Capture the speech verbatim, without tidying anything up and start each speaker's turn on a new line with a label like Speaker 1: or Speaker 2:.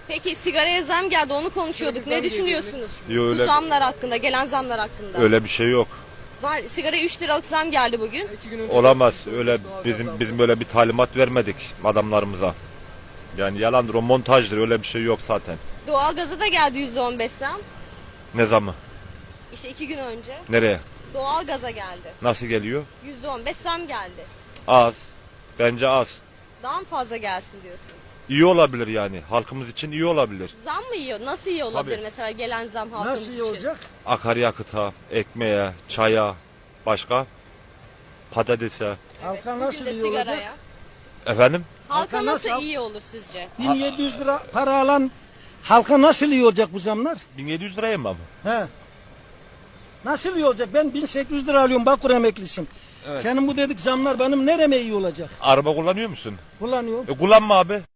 Speaker 1: Peki sigaraya zam geldi, onu konuşuyorduk. Ne düşünüyorsunuz?
Speaker 2: Yo, öyle-
Speaker 1: Bu zamlar hakkında, gelen zamlar hakkında.
Speaker 2: Öyle bir şey yok.
Speaker 1: Var, sigaraya üç liralık zam geldi bugün.
Speaker 2: Olamaz. Öyle bizim bizim böyle bir talimat vermedik adamlarımıza. Yani yalandır, o montajdır, öyle bir şey yok zaten.
Speaker 1: Doğalgaza da geldi yüzde on beş zam.
Speaker 2: Ne zamı?
Speaker 1: İşte iki gün önce.
Speaker 2: Nereye?
Speaker 1: Doğalgaza geldi.
Speaker 2: Nasıl geliyor?
Speaker 1: yüzde on beş zam geldi.
Speaker 2: Az. Bence az.
Speaker 1: Daha mı fazla gelsin diyorsunuz?
Speaker 2: İyi olabilir yani. Halkımız için iyi olabilir.
Speaker 1: Zam mı iyi? Nasıl iyi olabilir
Speaker 2: Tabii.
Speaker 1: mesela gelen zam halkımız
Speaker 3: Nasıl iyi
Speaker 1: için?
Speaker 3: olacak?
Speaker 2: Akaryakıta, ekmeğe, çaya, başka? Patatese.
Speaker 3: Halka
Speaker 1: Bugün
Speaker 3: nasıl
Speaker 1: de
Speaker 3: iyi olacak?
Speaker 1: sigaraya.
Speaker 2: Efendim?
Speaker 1: Halka
Speaker 3: Halka
Speaker 1: nasıl
Speaker 3: nasıl-
Speaker 1: iyi olur sizce?
Speaker 3: bin yedi yüz lira para alan halka nasıl iyi olacak bu zamlar?
Speaker 2: bin yedi yüz liraya mı ama?
Speaker 3: He. Nasıl iyi olacak? Ben bin sekiz yüz lira alıyorum, Bakur emeklisin.
Speaker 2: Evet.
Speaker 3: Senin bu dedik zamlar benim nereme iyi olacak?
Speaker 2: Araba kullanıyor musun?
Speaker 3: Kullanıyorum.
Speaker 2: E kullanma abi.